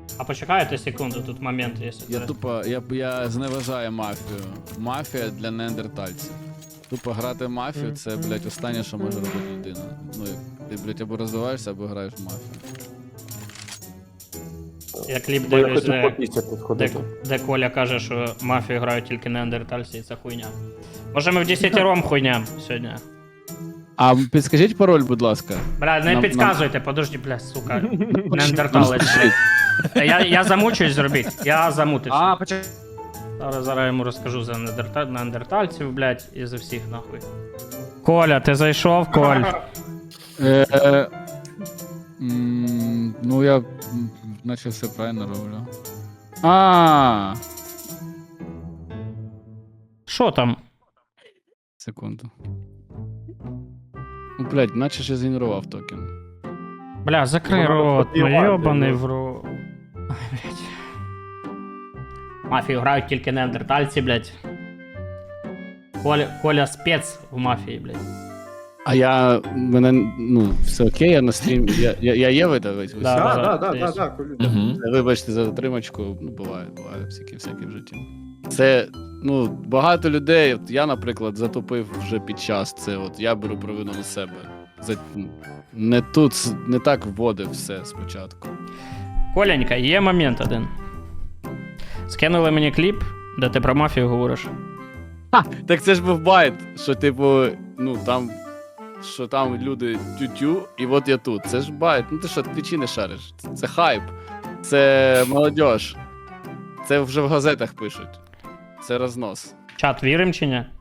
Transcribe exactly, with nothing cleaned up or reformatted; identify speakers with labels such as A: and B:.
A: А почекайте секунду, тут момент є.
B: Я тупо, я, я зневажаю мафію. Мафія для неандертальців. Тупо грати в мафію, це, блядь, останнє, що може робити людина. Ну, як ти, блядь, або розвиваєшся, або граєш в мафію.
A: Я кліп
C: Бо я
A: дивлюсь,
C: хотів
A: де,
C: по пісці тут
A: де,
C: ходити.
A: де Коля каже, що мафію грають тільки неандертальці, і це хуйня. Може ми в десятером хуйня сьогодні?
B: А підскажіть пароль, будь ласка.
A: Бля, не
B: Нам-
A: підказуйте, подожди, бля, сука. Неандерталець, блядь. Я, я замучусь зробити, я замутився.
D: А, почекай.
A: Зараз, зараз я йому розкажу за неандерта... неандертальців, блядь, і за всіх нахуй. Коля, ти зайшов, Коль?
B: Е, е, м, ну, я м, наче все правильно роблю. А,
A: Що там?
B: секунду. Ну, блядь, наче ж я згенерував токен.
A: Бля, закрий
C: Воно
A: рот, ну
C: розподіває,
A: йобаний
C: ну.
A: в рот. Ай, блядь. Мафію грають тільки неандертальці, блядь. Коля, Коля спец в мафії, блядь.
B: А я, мене, ну, все окей, я на стрім, я, я, я є видавець?
A: Да,
C: Так,
A: да,
C: так, так,
A: є.
C: так, так, Колю.
B: Вибачте за затримочку, ну, буває, буває, всякі, всякі в житті. Це, ну, багато людей, от я, наприклад, затопив вже під час це, от я беру провину на себе. За, не тут, не так вводив все спочатку.
A: Коленька, є момент один. Скинули мені кліп, де ти про мафію говориш.
B: Так це ж був байт, що, типу, ну, там, що там люди тю-тю, і от я тут. Це ж байт, ну ти що, твічі не шариш. Це, це хайп, це молодіж. Це вже в газетах пишуть. Це рознос.
A: Чат, вірим чи ні?